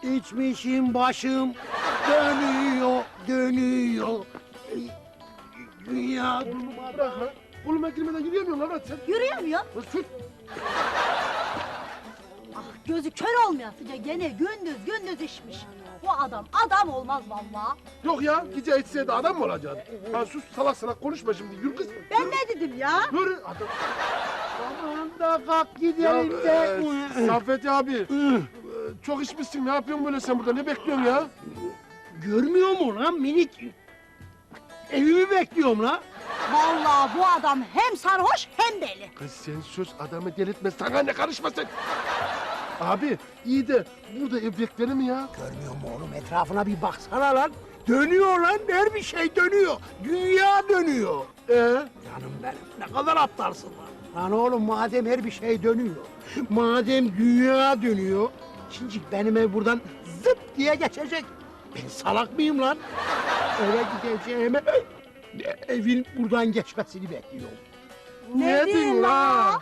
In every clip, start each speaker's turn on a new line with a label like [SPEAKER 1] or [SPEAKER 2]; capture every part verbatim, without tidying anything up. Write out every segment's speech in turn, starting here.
[SPEAKER 1] İçmişim başım dönüyor, dönüyor. Dünya...
[SPEAKER 2] Bırak lan. Koluma girmeden yürüyemiyorsun lan sen.
[SPEAKER 3] Yürüyemiyor.
[SPEAKER 2] Lan sus.
[SPEAKER 3] Ah, gözü kör olmayasıca gene gündüz gündüz içmiş. Bu adam adam olmaz vallahi.
[SPEAKER 2] Yok ya, gece içseydi adam mı olacaksın? Ha sus, salak salak konuşma şimdi, yürü kız.
[SPEAKER 3] Ben ne dedim ya?
[SPEAKER 2] Yürü. Adam.
[SPEAKER 1] Aman da kalk
[SPEAKER 2] Ya,
[SPEAKER 1] gidelim de.
[SPEAKER 2] e, Saffet abi, e, çok içmişsin, ne yapıyorsun böyle sen burada, ne bekliyorsun ya?
[SPEAKER 1] Görmüyor mu lan minik? Evimi bekliyorum lan.
[SPEAKER 3] Vallahi bu adam hem sarhoş hem deli.
[SPEAKER 2] Kız sen sus, adamı delirtme, sana ne karışma sen. Abi, iyi de burada ev beklenir mi ya?
[SPEAKER 1] Görmüyor mu oğlum, etrafına bir baksana lan. Dönüyor lan, her bir şey dönüyor. Dünya dönüyor.
[SPEAKER 2] Ee?
[SPEAKER 1] Canım benim, ne kadar aptalsın lan. Lan oğlum, madem her bir şey dönüyor, madem dünya dönüyor, şimdi benim ev buradan zıp diye geçecek. Ben salak mıyım lan? Eve gideceğime evin buradan geçmesini bekliyorum.
[SPEAKER 2] Ne diyorsun lan?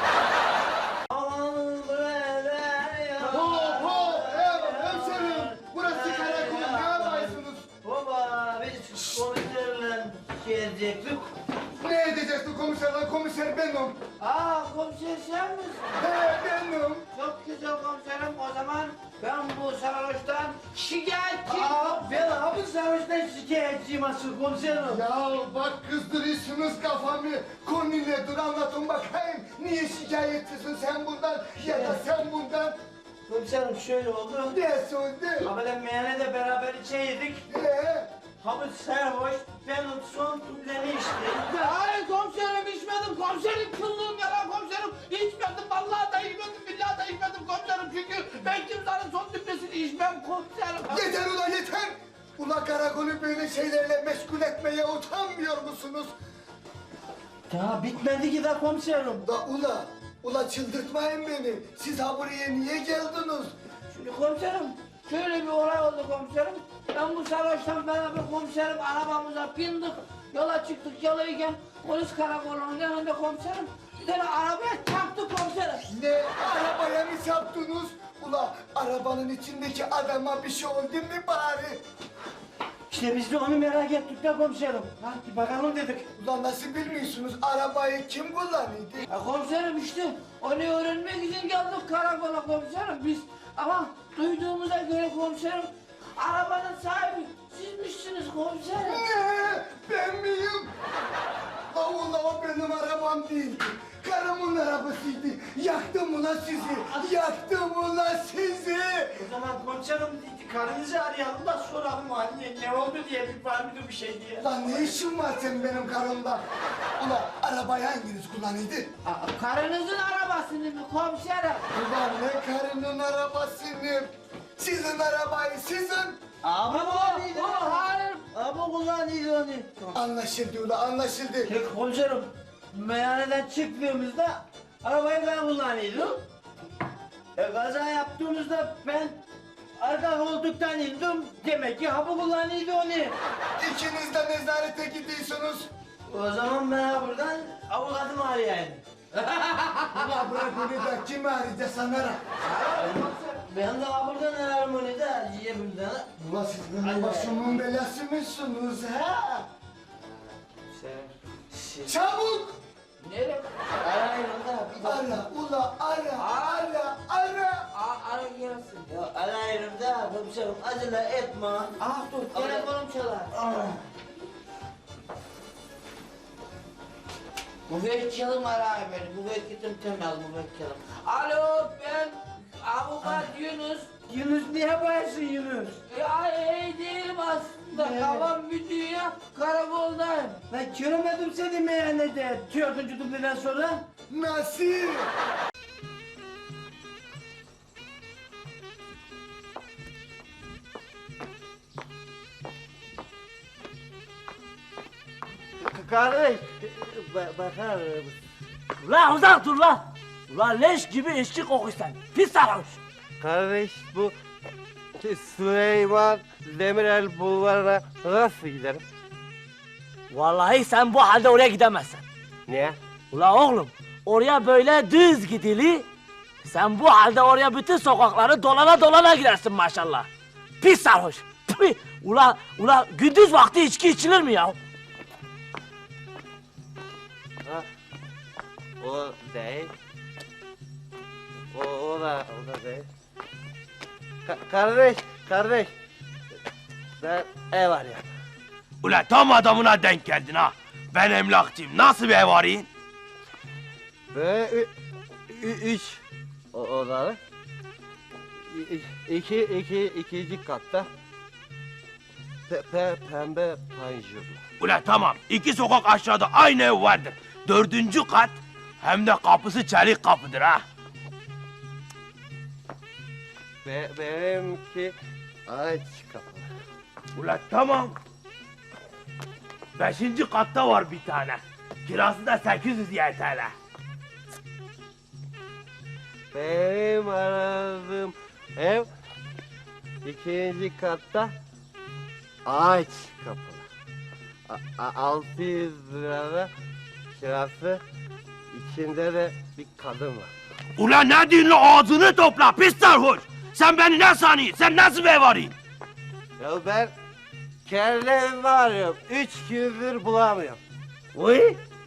[SPEAKER 4] Hop hop ev, hemşerim. Burası karakol, ne yapıyorsunuz?
[SPEAKER 5] Baba biz komiserle şey edecektik.
[SPEAKER 4] Ne edeceksin komiserler? Komiser benim.
[SPEAKER 5] Aa komiser sen misin?
[SPEAKER 4] He benim.
[SPEAKER 5] Çok güzel komiserim, o zaman ben bu sarhoştan şikayetçiyim.
[SPEAKER 4] Aa,
[SPEAKER 5] ben abi sarhoştan şikayetçiyim asıl komiserim.
[SPEAKER 4] Ya bak kızdırıyorsunuz kafamı. Konu ne? Dur anlatın bakayım. Niye şikayetçisin sen bundan ya da sen bundan?
[SPEAKER 5] Komiserim şöyle oldu.
[SPEAKER 4] Ne söyledi?
[SPEAKER 5] Habele meyhanede beraber içeydik.
[SPEAKER 4] Ee,
[SPEAKER 5] Hamit sarhoş, ben son tüpleni içtim. Hayır komiserim içmedim, komiserim kıllığım yalan komiserim. İçmedim, vallahi da içmedim, billahi da içmedim komiserim. Çünkü ben kimsenin son tüplesini içmem komiserim.
[SPEAKER 4] yeter ulan yeter. Ulan karakolu böyle şeylerle meşgul etmeye utanmıyor musunuz?
[SPEAKER 5] Daha bitmedi ki de komiserim.
[SPEAKER 4] Da ula, ula çıldırtmayın beni. Siz ha buraya niye geldiniz?
[SPEAKER 5] Şimdi komiserim, şöyle bir olay oldu komiserim. Ben bu sarhoştan beraber komiserim arabamıza bindik. Yola çıktık, yoldayken polis karakolunun yanında komiserim. Bir tane arabaya çarptı komiserim.
[SPEAKER 4] Ne arabaya mı çarptınız? Ula arabanın içindeki adama bir şey oldu mu bari?
[SPEAKER 5] İşte biz de onu merak ettik de komiserim. Hadi bakalım dedik.
[SPEAKER 4] Ulan nasıl bilmiyorsunuz arabayı kim kullanıyordu?
[SPEAKER 5] Ya komiserim işte onu öğrenmek için geldik karakola komiserim biz. Ama duyduğumuza göre komiserim arabanın sahibi sizmişsiniz komiserim.
[SPEAKER 4] Ne? Ben miyim? La ula o benim arabam değildi. Karımın arabasıydı. Yaktım ulan sizi. Yaktım ulan sizi.
[SPEAKER 5] O zaman komiserim karınızı arayalım da soralım anne ne oldu diye bir var mıydı bir şey diye.
[SPEAKER 4] Lan ne işin var senin benim karımda? Ulan arabayı hanginiz kullanıyordu?
[SPEAKER 5] Aa, karınızın arabasını mı komiserim?
[SPEAKER 4] Ulan ne karının arabasını? Sizin arabayı sizin.
[SPEAKER 5] Abi bu, bu hayır. Abi kullanıyor onu.
[SPEAKER 4] Anlaşıldı ulan anlaşıldı.
[SPEAKER 5] Peki komiserim meyhaneden çıktığımızda arabayı ben kullanıyordum. E, kaza yaptığımızda ben arka koltuktan indim. Demek ki hapı kullanıyordu onu.
[SPEAKER 4] İkiniz de nezarete gidiyorsunuz.
[SPEAKER 5] O zaman ben buradan avukatımı arayayım.
[SPEAKER 4] Ulan bırak onu da kimi arayacağız sanara?
[SPEAKER 5] Ben de buradan ararım onu da cebimden.
[SPEAKER 4] Ulan siz benim başımın belası mısınız ha?
[SPEAKER 5] Sen...
[SPEAKER 4] Çabuk!
[SPEAKER 5] Nereye? Arayın da bir dakika.
[SPEAKER 4] Ara ula ara ara ara.
[SPEAKER 5] Aa, ara gelsin. Ya arayın da komiserim acele etme. Ah dur telefonum çalar. Müvekkilim arayın beni. Müvekkilim Temel müvekkilim. Alo ben avukat Yunus. Yunus ne yaparsın Yunus? Ya iyi değilim aslında. Kafam bir dünya karakoldayım. Ben göremedim seni meyhanede. Dördüncü dubleden sonra.
[SPEAKER 4] Nasıl?
[SPEAKER 5] Kardeş bakar mısın?
[SPEAKER 6] Ulan uzak dur lan! Ulan leş gibi içki kokuyorsun, pis sarhoş!
[SPEAKER 7] Kardeş bu Süleyman Demirel bulvarına nasıl giderim?
[SPEAKER 6] Vallahi sen bu halde oraya gidemezsin.
[SPEAKER 7] Niye?
[SPEAKER 6] Ulan oğlum, oraya böyle düz gidili, Sen bu halde oraya bütün sokakları dolana dolana girersin maşallah. Pis sarhoş. Tüh! Ula, ula gündüz vakti içki içilir mi ya?
[SPEAKER 7] Ha, o değil. O, o da, o da değil. Ka- kardeş, kardeş. Ben ev arıyorum.
[SPEAKER 8] Ula tam adamına denk geldin ha. Ben emlakçıyım. Nasıl bir ev arayın?
[SPEAKER 7] Ve ü, ü, üç o, odalı. İ, iki, iki, ikinci katta. Pe, pe, pembe panjurlu.
[SPEAKER 8] Ula tamam. İki sokak aşağıda aynı ev vardır. Dördüncü kat hem de kapısı çelik kapıdır ha.
[SPEAKER 7] Be, benimki aç kapalı.
[SPEAKER 8] Ula tamam. Beşinci katta var bir tane. Kirası da sekiz yüz Y T L.
[SPEAKER 7] Benim aradığım ev ikinci katta ağaç kapalı. A- a- altı yüz lirada kirası, içinde de bir kadın var.
[SPEAKER 8] Ula ne diyorsun la, ağzını topla pis sarhoş. Sen beni ne sanıyorsun? Sen nasıl bir ev arayın?
[SPEAKER 7] Ya ben kendi evimi arıyorum. Üç gündür bulamıyorum.
[SPEAKER 8] Uy.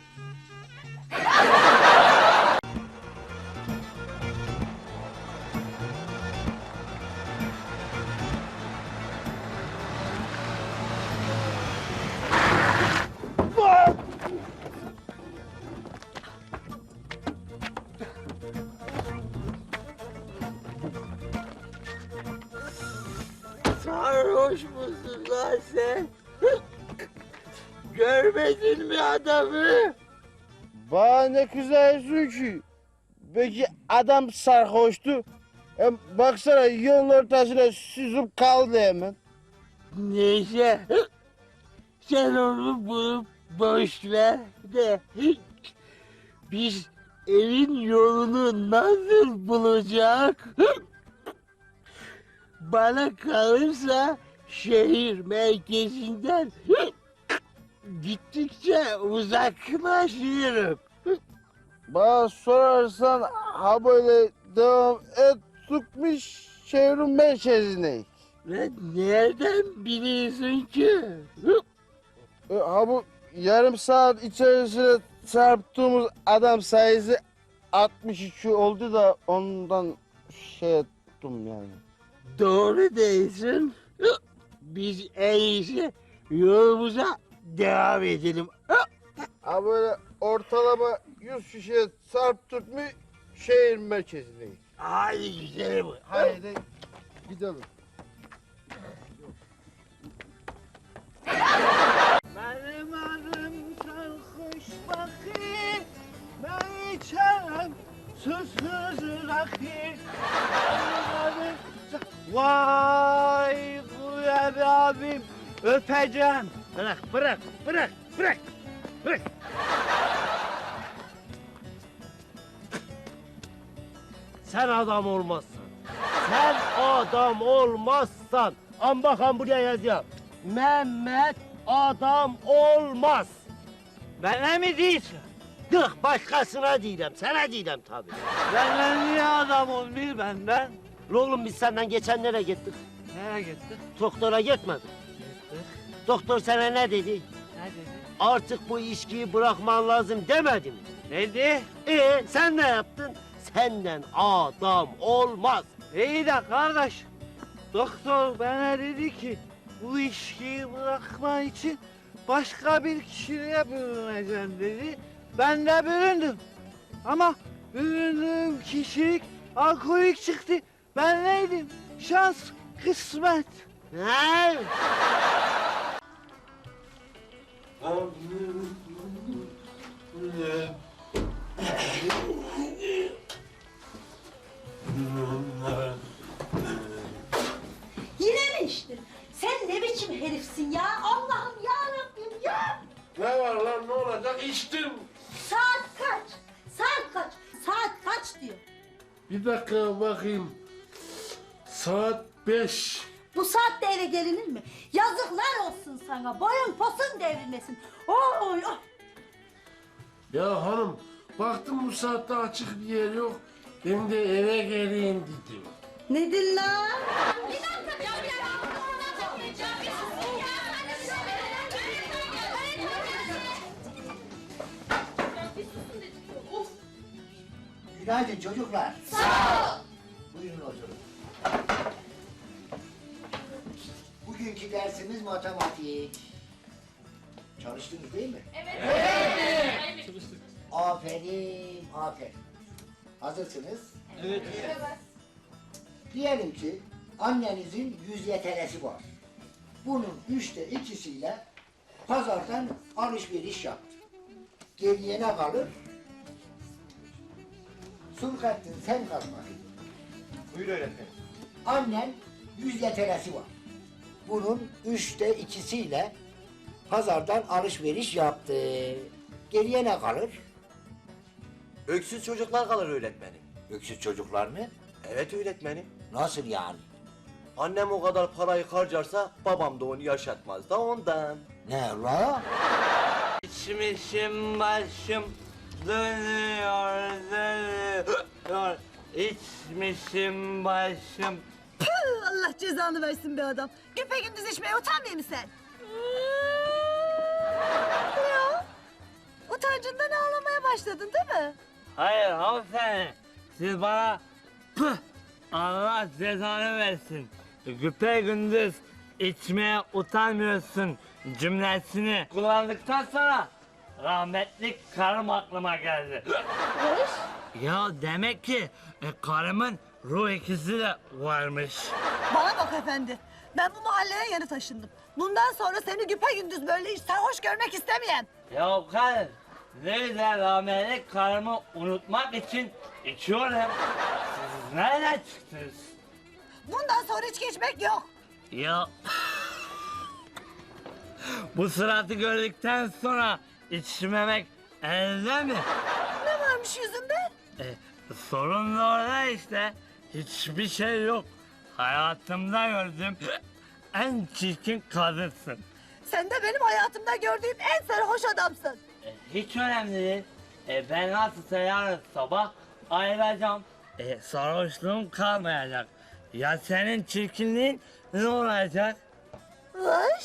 [SPEAKER 5] Sarhoş musun lan sen? Görmedin mi adamı?
[SPEAKER 9] Bana ne kızıyorsun ki? Peki adam sarhoştu. Hem baksana yolun ortasına süzüp kaldı hemen.
[SPEAKER 5] Neyse. Sen onu bulup boş ver de. Biz evin yolunu nasıl bulacak? Bana kalırsa şehir merkezinden gittikçe uzaklaşıyorum.
[SPEAKER 9] Bana sorarsan ha böyle devam et tutmuş şehrin merkezine.
[SPEAKER 5] Ve nereden biliyorsun ki?
[SPEAKER 9] E, ha bu yarım saat içerisinde çarptığımız adam sayısı altmış iki oldu da ondan şey ettim yani.
[SPEAKER 5] Doğru değilsin. Biz en iyisi yolumuza devam edelim.
[SPEAKER 9] Ha böyle ortalama yüz kişiye çarptık mı şehir merkezindeyiz.
[SPEAKER 5] Hadi gidelim.
[SPEAKER 9] Haydi gidelim.
[SPEAKER 5] Benim adım sarhoş bakayım. Ben içerim susuz rakı.
[SPEAKER 9] Vay Kuyabi abim öpeceğim.
[SPEAKER 1] Bırak, bırak, bırak, bırak, bırak.
[SPEAKER 9] Sen adam olmazsan. Sen adam olmazsan. An bakan buraya yazacağım. Mehmet adam olmaz.
[SPEAKER 5] Bana mı diyorsun?
[SPEAKER 9] Yok başkasına diyeceğim. Sana diyeceğim tabii.
[SPEAKER 5] Benden niye adam olmuyor benden?
[SPEAKER 9] Oğlum biz senden geçenlere gittik.
[SPEAKER 5] Nereye gittin?
[SPEAKER 9] Doktora gitmedik. Doktor sana ne dedi?
[SPEAKER 5] Ne dedi?
[SPEAKER 9] Artık bu içkiyi bırakman lazım demedi mi?
[SPEAKER 5] Ne dedi?
[SPEAKER 9] Ee sen ne yaptın? Senden adam olmaz.
[SPEAKER 5] İyi de kardeş, doktor bana dedi ki bu içkiyi bırakman için başka bir kişiliğe bürüneceksin dedi. Ben de büründüm. Ama büründüğüm kişilik alkolik çıktı. Ben neydim? Şans, kısmet.
[SPEAKER 9] Ne?
[SPEAKER 3] Yine mi içtin? Sen ne biçim herifsin ya? Allah'ım ya Rabbim ya!
[SPEAKER 2] Ne var lan ne olacak? İçtim.
[SPEAKER 3] Saat kaç? Saat kaç? Saat kaç diyor.
[SPEAKER 2] Bir dakika bakayım. Saat beş.
[SPEAKER 3] Bu saatte eve gelinir mi? Yazıklar olsun sana. Boyun posun devrilmesin. Oy oy.
[SPEAKER 2] Ya hanım baktım bu saatte açık bir yer yok.
[SPEAKER 5] Ben de eve geleyim dedim.
[SPEAKER 3] Nedir lan?
[SPEAKER 4] Günaydın çocuklar. Sağ ol. Buyurun oturun. Bugünkü dersimiz matematik. Çalıştınız değil mi? Evet. Evet. Aferin, aferin. Hazırsınız? Evet. Diyelim ki annenizin yüz yetelesi var. Bunun üçte ikisiyle pazardan alışveriş yaptı. Geriye ne kalır? Sulhattin sen kalk bakayım.
[SPEAKER 7] Buyur öğretmenim.
[SPEAKER 4] Annen yüz yetelesi var. Bunun üçte ikisiyle pazardan alışveriş yaptı. Geriye ne kalır?
[SPEAKER 7] Öksüz çocuklar kalır öğretmenim.
[SPEAKER 4] Öksüz çocuklar mı?
[SPEAKER 7] Evet öğretmenim.
[SPEAKER 4] Nasıl yani?
[SPEAKER 7] Annem o kadar parayı harcarsa babam da onu yaşatmaz da ondan.
[SPEAKER 4] Ne la?
[SPEAKER 5] İçmişim başım dönüyor dönüyor. İçmişim başım.
[SPEAKER 3] Püh, Allah cezanı versin be adam. Güpe gündüz içmeye utanmıyor musun sen? Ne o? Utancından ağlamaya başladın değil mi?
[SPEAKER 5] Hayır hanımefendi. Siz bana püh Allah cezanı versin. Güpe gündüz içmeye utanmıyorsun cümlesini kullandıktan sonra rahmetli karım aklıma geldi. Ya demek ki e, karımın ruh ikisi de varmış.
[SPEAKER 3] Bana bak efendi. Ben bu mahalleye yeni taşındım. Bundan sonra seni güpe gündüz böyle sarhoş görmek istemeyen.
[SPEAKER 5] Ya karım, nerede rahmetli karımı unutmak için içiyorum. Siz nereden çıktınız?
[SPEAKER 3] Bundan sonra içki içmek yok.
[SPEAKER 5] Ya bu suratı gördükten sonra içmemek elde mi?
[SPEAKER 3] Ne varmış yüzünde?
[SPEAKER 5] E, sorun da orada işte. Hiçbir şey yok. Hayatımda gördüm. En çirkin kadınsın.
[SPEAKER 3] Sen de benim hayatımda gördüğüm en sarhoş adamsın.
[SPEAKER 5] E, hiç önemli değil. E, ben nasılsa yarın sabah ayrılacağım. E, sarhoşluğum kalmayacak. Ya senin çirkinliğin ne olacak?
[SPEAKER 3] Vış.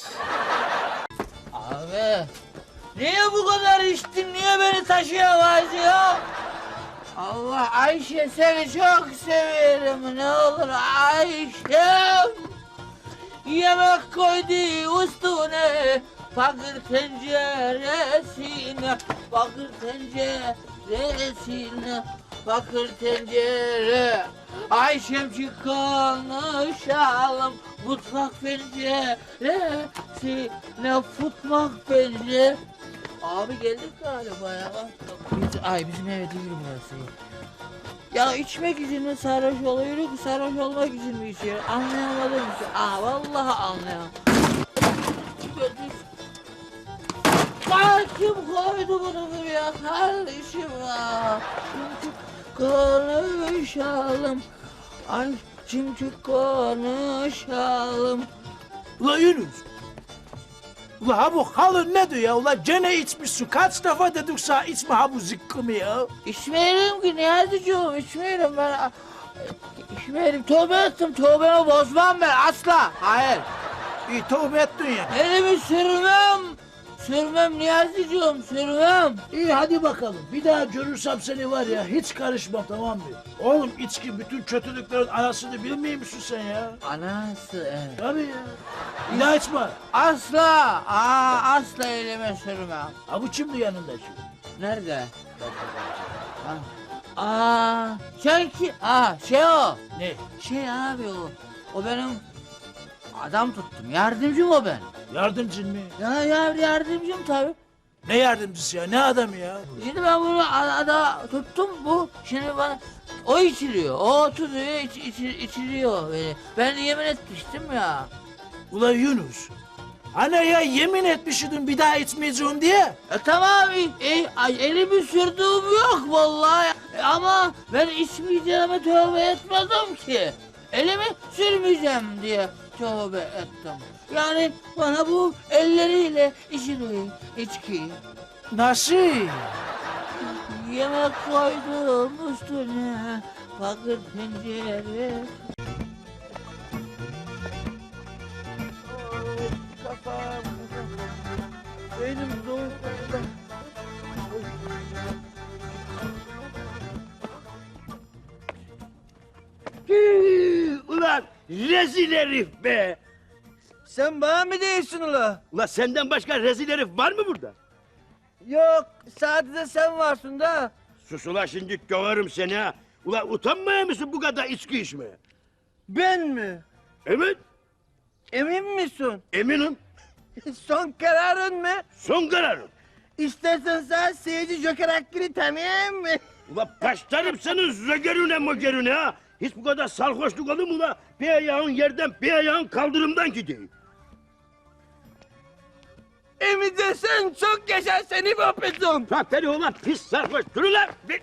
[SPEAKER 5] Abi, niye bu kadar içtin? Niye beni taşıyamaz ya? Allah Ayşe seni çok severim. Ne olur Ayşem. Yemek koydu üstüne, bakır tenceresine, bakır tenceresine, bakır tencere. Ayşem çık konuşalım, mutfak penceresine, mutfak pencere. Abi geldik galiba ya. Biz, ay bizim ev değil burası. Ya içmek için mi sarhoş oluyoruz, sarhoş olmak için mi içiyoruz? Anlayamadım ki. Aa vallahi anlayamadım. Ay kim koydu bunu buraya kardeşim ya? Çünkü konuşalım. Ay çünkü konuşalım.
[SPEAKER 1] Ula Yunus. Ula ha bu halın ne diyor ya? Ula gene içmişsin. Kaç defa dedik sana içme ha bu zıkkımı ya.
[SPEAKER 5] İçmeyelim ki Niyazi'cığım, içmeyelim ben. İçmeyelim, tövbe ettim, tövbemi bozmam ben asla. Hayır.
[SPEAKER 1] İyi tövbe ettin ya.
[SPEAKER 5] Elimi sürmem. Sürmem Niyazi'cığım, sürmem.
[SPEAKER 1] İyi hadi bakalım. Bir daha görürsem seni var ya hiç karışma tamam mı? Oğlum içki bütün kötülüklerin anasını bilmiyor musun sen ya?
[SPEAKER 5] Anası evet.
[SPEAKER 1] Tabii ya. Bir daha içme.
[SPEAKER 5] Asla, aa, asla elime sürmem.
[SPEAKER 1] Ha bu kimdi yanında şimdi?
[SPEAKER 5] Nerede? Ha. Aa, şey ki, aa, şey o.
[SPEAKER 1] Ne?
[SPEAKER 5] Şey abi o, o benim adam tuttum, yardımcım o ben.
[SPEAKER 1] Yardımcın mı?
[SPEAKER 5] Ya, ya yardımcım tabii.
[SPEAKER 1] Ne yardımcısı ya? Ne adamı ya?
[SPEAKER 5] Şimdi ben bunu ada tuttum bu. Şimdi bana o içiliyor. O oturuyor iç, iç, içiliyor beni. Ben yemin etmiştim ya.
[SPEAKER 1] Ula Yunus. Hani ya yemin etmişydin bir daha içmeyeceğim diye.
[SPEAKER 5] E tamam e, ay, elimi sürdüğüm yok vallahi. E, ama ben içmeyeceğime tövbe etmedim ki. Elimi sürmeyeceğim diye tövbe ettim. Yani bana bu elleriyle içiliyor içki.
[SPEAKER 1] Nasıl?
[SPEAKER 5] Yemek koydum üstüne, bakır pencere.
[SPEAKER 7] Kafam. Benim soğuk.
[SPEAKER 8] Ulan rezil herif be!
[SPEAKER 7] Sen bana mı değilsin ula?
[SPEAKER 8] Ulan senden başka rezil herif var mı burada?
[SPEAKER 7] Yok, sadece sen varsın da.
[SPEAKER 8] Sus ulan şimdi döverim seni ha! Ulan utanmaya mısın bu kadar içki içmeye?
[SPEAKER 7] Ben mi?
[SPEAKER 8] Evet,
[SPEAKER 7] Emin misin?
[SPEAKER 8] eminim.
[SPEAKER 7] Son kararın mı?
[SPEAKER 8] Son kararım.
[SPEAKER 7] İstersen sen seyirci Joker hakkını tanıyayım mı?
[SPEAKER 8] Ulan başlarım senin zögerüne mögerüne ha! Hiç bu kadar sarhoşluk olur mu ulan? Bir ayağın yerden, bir ayağın kaldırımdan gideyim.
[SPEAKER 7] Emin de sen çok yaşa seni mahvedeceğim.
[SPEAKER 8] Zaten ulan pis sarhoş, dur ulan! Bir-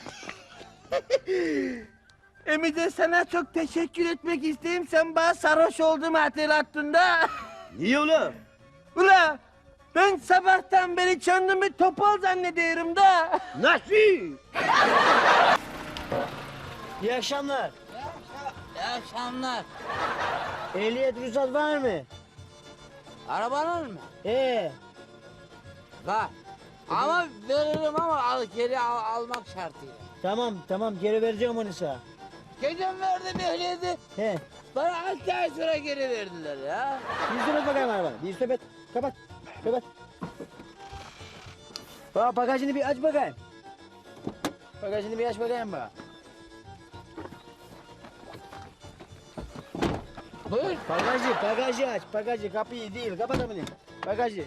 [SPEAKER 7] Emin de sana çok teşekkür etmek isteyeyim. Sen bana sarhoş olduğumu hatırlattın da.
[SPEAKER 8] Niye ulan?
[SPEAKER 7] Ula ben sabahtan beri kendimi topal zannediyorum da.
[SPEAKER 8] Nasıl?
[SPEAKER 7] İyi akşamlar.
[SPEAKER 5] İyi akşamlar.
[SPEAKER 7] Ehliyet ruhsat var mı?
[SPEAKER 5] Arabanın mı?
[SPEAKER 7] Ee,
[SPEAKER 5] Var. Ama veririm ama al, geri al, almak şartıyla.
[SPEAKER 7] tamam tamam geri vereceğim onu sana.
[SPEAKER 5] Geçen verdim ehliyeti.
[SPEAKER 7] He.
[SPEAKER 5] Bana altı ay sonra geri verdiler ya.
[SPEAKER 7] Bir sepet bakayım arabana. Bir sepet. Kapat. Kapat. Bak bagajını bir aç bakayım. Bagajını bir aç bakayım bak.
[SPEAKER 5] Buyur.
[SPEAKER 7] Bagajı, bagajı aç. Bagajı, kapıyı değil. Kapat onu. Bagajı.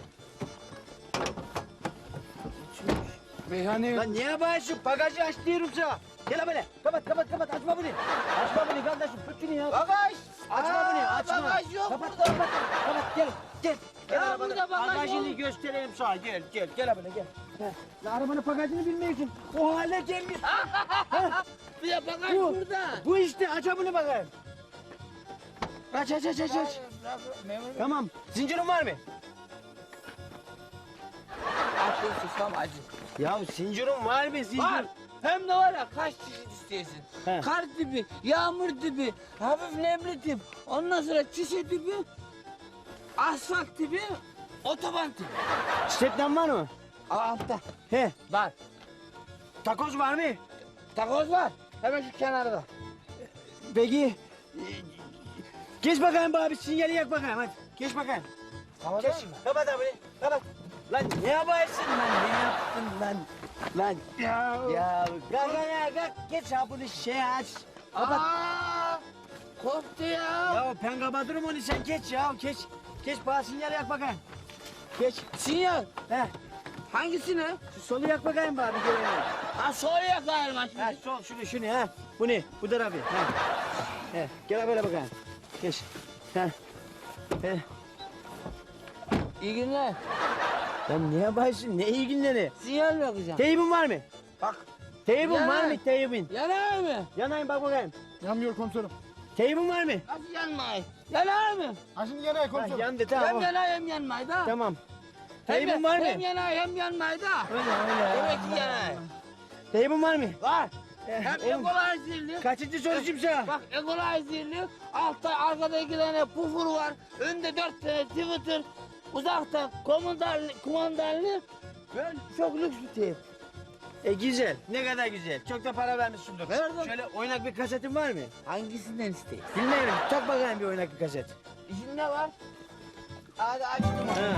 [SPEAKER 4] Meyhane
[SPEAKER 7] Lan niye bağırıyorsun? Bagajı aç diyorum sana. Gel böyle. Kapat, kapat, kapat. Açma bunu. Açma bunu kardeşim. Tut şunu ya.
[SPEAKER 5] Bagaj.
[SPEAKER 7] Açma
[SPEAKER 5] Aa,
[SPEAKER 7] bunu, açma.
[SPEAKER 5] bagaj yok
[SPEAKER 7] kapat,
[SPEAKER 5] burada.
[SPEAKER 7] Kapat, kapat. Gel, gel. Gel
[SPEAKER 5] Ya
[SPEAKER 7] arabana.
[SPEAKER 5] burada bagaj
[SPEAKER 7] Bagajını
[SPEAKER 5] yok.
[SPEAKER 7] göstereyim sana. Gel, gel. Gel böyle gel. Heh. Ya arabanın bagajını bilmiyorsun. O hale gelmiş.
[SPEAKER 5] Bir de bagaj
[SPEAKER 7] Bu,
[SPEAKER 5] burada.
[SPEAKER 7] bu işte. Aç bunu bakayım. Aç, aç, aç, aç, aç.
[SPEAKER 5] Memur bey.
[SPEAKER 7] Tamam. Zincirin var mı?
[SPEAKER 5] Akıl susam acı.
[SPEAKER 7] Ya zincirin var mı? Zincir.
[SPEAKER 5] Var. Hem de var ya kaç çeşit istiyorsun.
[SPEAKER 7] He.
[SPEAKER 5] Kar tipi, yağmur tipi, hafif nemli tip. Ondan sonra çişe tipi, asfalt tipi, otoban tipi.
[SPEAKER 7] Stepten var mı?
[SPEAKER 5] Aa, altta.
[SPEAKER 7] He.
[SPEAKER 5] Var.
[SPEAKER 7] Takoz var mı?
[SPEAKER 5] Takoz var. Hemen şu kenarda.
[SPEAKER 7] Peki. e, Geç bakayım bana bir sinyali yak bakayım hadi. Geç bakayım.
[SPEAKER 5] Tamam
[SPEAKER 7] Geç. Kapat abi. Kapat. Lan ne yaparsın lan? Ne yaptın lan? Lan.
[SPEAKER 4] ya.
[SPEAKER 7] Ya kalk ya kalk. Geç ha bunu şey aç. Kapat.
[SPEAKER 5] Aa, korktu ya.
[SPEAKER 7] Ya ben kapatırım onu sen geç ya geç. Geç bana sinyali yak bakayım. Geç.
[SPEAKER 5] Sinyal.
[SPEAKER 7] He.
[SPEAKER 5] Hangisini?
[SPEAKER 7] Şu solu yak bakayım bana bir kere.
[SPEAKER 5] Ha sola yakayım ha şimdi.
[SPEAKER 7] Ha sol şunu şunu ha. Bu ne? Bu tarafı. Ha. He. Gel böyle bakayım. Geç. Ha. He.
[SPEAKER 5] İyi günler.
[SPEAKER 7] Lan ne yaparsın? Ne iyi günleri?
[SPEAKER 5] Sinyal mi yakacağım?
[SPEAKER 7] Teybin var mı?
[SPEAKER 5] Bak.
[SPEAKER 7] Teybin
[SPEAKER 5] Yanar.
[SPEAKER 7] var mı? Teybin.
[SPEAKER 5] Yanar mı?
[SPEAKER 7] Yanayım bak bakayım.
[SPEAKER 4] Yanmıyor komiserim.
[SPEAKER 7] Teybin var mı?
[SPEAKER 5] Nasıl yanmayı? Yanar mı?
[SPEAKER 4] Ha şimdi yanay
[SPEAKER 7] Ha,
[SPEAKER 4] komiserim.
[SPEAKER 7] yandı
[SPEAKER 5] Hem
[SPEAKER 7] tamam.
[SPEAKER 5] yanar hem yanmayı da.
[SPEAKER 7] Tamam.
[SPEAKER 5] Hem-
[SPEAKER 7] Teybin var mı?
[SPEAKER 5] Hem yanar hem yanmayı da.
[SPEAKER 7] Öyle öyle.
[SPEAKER 5] Demek ki yanar.
[SPEAKER 7] Teybin var mı?
[SPEAKER 5] Var.
[SPEAKER 7] Eh,
[SPEAKER 5] Hem
[SPEAKER 7] oğlum,
[SPEAKER 5] equalizerli.
[SPEAKER 7] kaçıncı soruşum sana?
[SPEAKER 5] Bak equalizerli. Altta arkada iki tane pufur var. Önde dört tane Twitter. Uzakta kumandarlı, kumandarlı. Böyle çok lüks bir teyp.
[SPEAKER 7] E güzel. Ne kadar güzel. Çok da para vermişsindir.
[SPEAKER 5] Verdim.
[SPEAKER 7] Şöyle oynak bir kasetin var mı?
[SPEAKER 5] Hangisinden isteyeyim?
[SPEAKER 7] Bilmiyorum. Tak bakayım bir oynak bir kaset.
[SPEAKER 5] İçinde var. Hadi açtım.
[SPEAKER 7] Ha.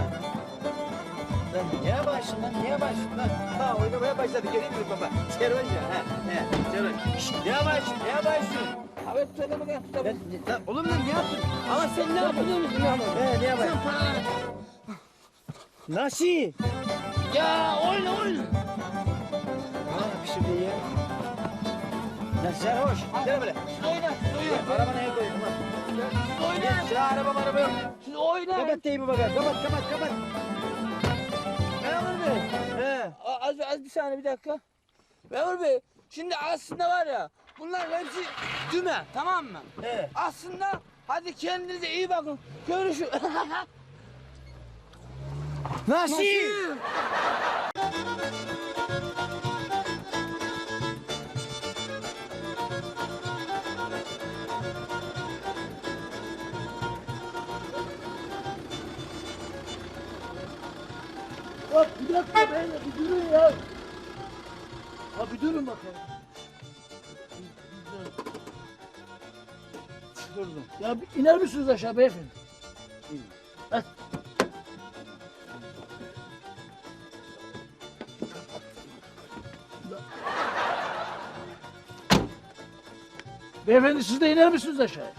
[SPEAKER 7] Lan niye başladın lan? Niye başladın lan? Ha oynamaya başladı. Göreyim mi baba? Serhoş ya. Ha, he. Serhoş. Şşt, niye başladın? Niye başladın?
[SPEAKER 5] Abi söyle bakayım.
[SPEAKER 7] Lan, lan, oğlum lan ne yaptın?
[SPEAKER 5] Ama sen ne yapıyorsun biliyor musun?
[SPEAKER 7] He niye başladın?
[SPEAKER 5] Sen paraları...
[SPEAKER 7] Nasıl?
[SPEAKER 5] Ya oyna oyna.
[SPEAKER 7] Ha bir şey değil ya. Lan serhoş. Gel böyle.
[SPEAKER 5] Siz oyna, siz oyna.
[SPEAKER 7] Arabana el koydum ha.
[SPEAKER 5] Siz oyna.
[SPEAKER 7] Gel sıra araba araba yok.
[SPEAKER 5] Siz oyna.
[SPEAKER 7] Kapat teybi bakalım. Kapat kapat kapat.
[SPEAKER 5] Memur Bey.
[SPEAKER 7] He.
[SPEAKER 5] A- Az, az bir saniye bir dakika. Memur Bey, şimdi aslında var ya, bunlar hepsi düme, tamam mı?
[SPEAKER 7] He.
[SPEAKER 5] Aslında hadi kendinize iyi bakın. Görüşürüz.
[SPEAKER 7] Nasıl?
[SPEAKER 6] Hop bir dakika beyler bir durun ya. Ha bir durun bakalım. Durdum. Ya bir iner misiniz aşağı beyefendi? Hadi. Beyefendi siz de iner misiniz aşağıya?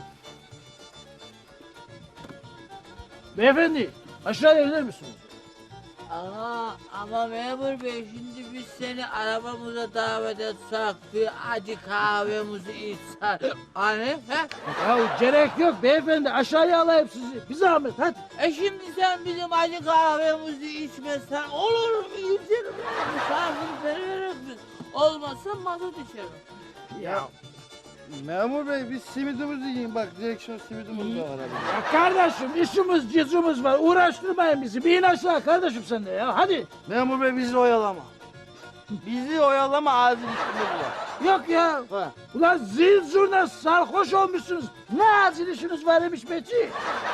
[SPEAKER 6] Beyefendi aşağıya iner misiniz?
[SPEAKER 5] Ama, ama memur bey şimdi biz seni arabamıza davet etsek bir acı kahvemizi içsek. Hani he?
[SPEAKER 6] Ya gerek yok beyefendi aşağıya alayım sizi. Bir zahmet hadi.
[SPEAKER 5] E şimdi sen bizim acı kahvemizi içmezsen olur mu? İçerim. Misafirleri veririz biz. Olmazsa masa düşerim.
[SPEAKER 9] Ya memur bey biz simidimizi yiyin bak direksiyon simidimiz var abi.
[SPEAKER 6] Ya kardeşim işimiz cızımız var uğraştırmayın bizi. Bir in aşağı kardeşim sen de ya hadi.
[SPEAKER 9] Memur bey bizi oyalama. Bizi oyalama acil işimiz var.
[SPEAKER 6] Yok ya.
[SPEAKER 9] Ha.
[SPEAKER 6] Ulan zil zurna sarhoş olmuşsunuz. Ne acil işiniz var demiş Beci.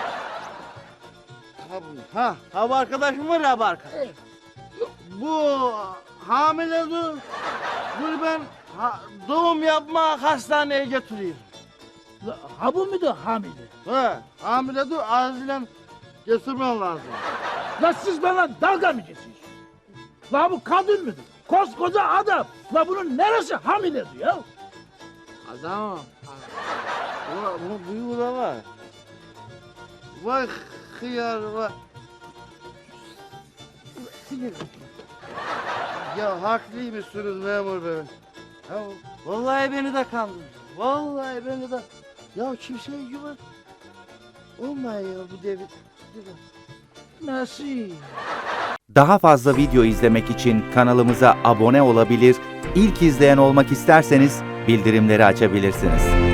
[SPEAKER 9] Ha, bu- ha, ha bu arkadaşım var ya bu arkadaş. Bu hamile dur. Dur ben ha, doğum yapma hastaneye götüreyim.
[SPEAKER 6] La, Ha bu muydu hamile?
[SPEAKER 9] Ha, hamile dur acilen götürmen lazım.
[SPEAKER 6] La siz bana dalga mı geçiyorsunuz? La bu kadın mıdır? Koskoca adam. La bunun neresi hamiledir ya?
[SPEAKER 9] Adamım. Ulan bunun büyüğü de var. Vay hıyar vay. Ya haklıymışsınız memur bey. Ya vallahi beni de kandırdı. Vallahi beni de. Ya kimseye güven. Olmuyor ya bu devir.
[SPEAKER 6] Nasıl?
[SPEAKER 10] Daha fazla video izlemek için kanalımıza abone olabilir, ilk izleyen olmak isterseniz bildirimleri açabilirsiniz.